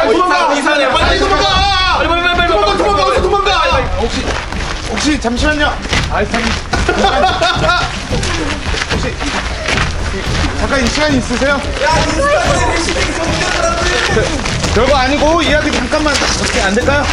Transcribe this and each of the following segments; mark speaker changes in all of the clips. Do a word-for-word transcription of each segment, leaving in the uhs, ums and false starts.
Speaker 1: 빨리 도망가.
Speaker 2: 이상해.
Speaker 1: 빨리 도망가.
Speaker 2: 빨리 빨리 빨리 빨리
Speaker 1: 도망가 도망가 어서 도망가.
Speaker 3: 혹시 혹시 잠시만요.
Speaker 2: 아이 참.
Speaker 3: 혹시 잠깐 시간 있으세요? 저, 별거 아니고 이야기 잠깐만 어떻게 안 될까요?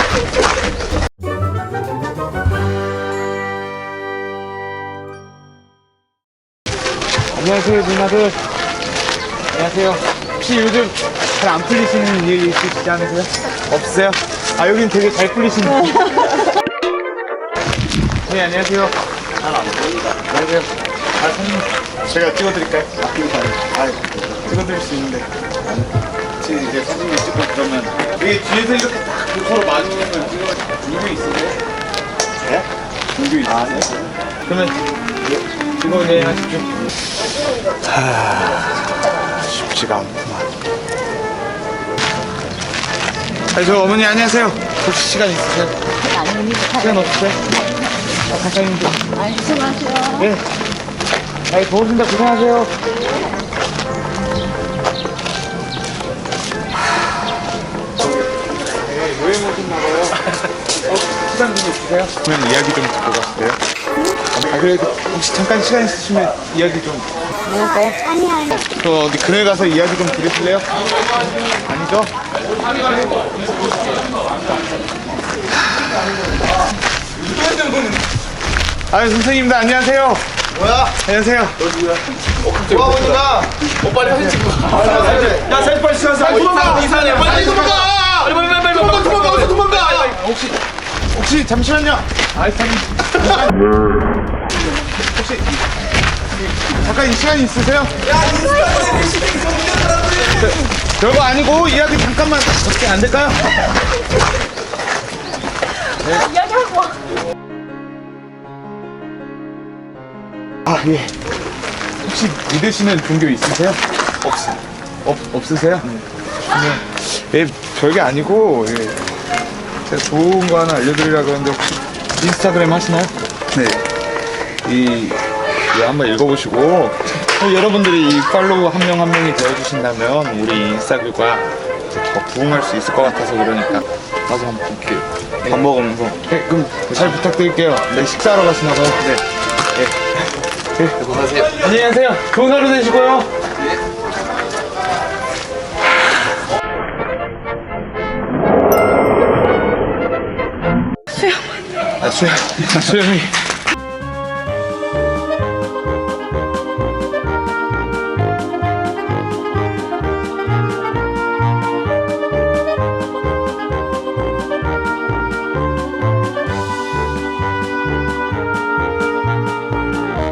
Speaker 3: 안녕하세요 누나들. 안녕하세요. 혹시 요즘 잘 안 풀리시는 일 있으시지 않으세요? 없으세요? 아 여긴 되게 잘 풀리시는. 네 안녕하세요. 잘 안 보인다. 안녕하세요. 아 선생님 제가 찍어드릴까요? 아 찍어드릴 수 있는데 혹시 이제 사진을 찍고 그러면 여기 뒤에서 이렇게 딱 서로 마주보면 찍어. 종교 있으세요? 네? 종교 있으세요? 아, 네. 그러면 찍어 네 하십시오. 하... 쉽지가 않구만. 아니 저 어머니 안녕하세요. 혹시 시간 있으세요?
Speaker 4: 아닙니다.
Speaker 3: 시간 없으세요? 아, 잠깐 좀.
Speaker 4: 아니, 수고하세요.
Speaker 3: 네. 아이 고맙습니다. 고생하세요. 네, 여행 오셨나봐요. 어, 시간 좀 있으세요? 그러면 이야기 좀 듣고 가실래요? 아, 그래도 혹시 잠깐 시간 있으시면 이야기 좀.
Speaker 4: 뭘까요? 아니, 아니.
Speaker 3: 저 어디 그네 가서 이야기 좀 들으실래요? 아니죠? 아유 선생님들 안녕하세요.
Speaker 1: 뭐야?
Speaker 3: 안녕하세요.
Speaker 1: 뭐 하고 있는가?
Speaker 2: 어 빨리 사진 찍고.
Speaker 1: 야 사진 빨리 찍어서.
Speaker 2: 빨리 도망가. 이상해.
Speaker 1: 빨리 도망가.
Speaker 2: 빨리 빨리 빨리 빨리
Speaker 1: 도망가 도망가 어서 도망가.
Speaker 3: 혹시 혹시 잠시만요.
Speaker 2: 아이 참.
Speaker 3: 혹시 잠깐 시간 있으세요? 저, 별거 아니고 이야기 잠깐만 어떻게 안 될까요?
Speaker 4: 이야기하고.
Speaker 3: 아 예. 혹시 믿으시는 종교 있으세요? 없 없 없으세요? 네. 그러면 예 별게 아니고 예. 제가 좋은 거 하나 알려드리려고 하는데 혹시 인스타그램 하시나요? 네. 이 이거 한번 읽어보시고 여러분들이 이 팔로우 한 명 한 명이 되어주신다면 우리 인스타그램과 더 부흥할 수 있을 것 같아서 그러니까 나도 한번 이렇게 밥 먹으면서 네 그럼 잘 부탁드릴게요. 네 식사하러 가시나봐요. 네. 네. 네.
Speaker 2: 수고하세요.
Speaker 3: 안녕히 가세요. 좋은 하루 되시고요. 수영. 아, 수영. 수영이.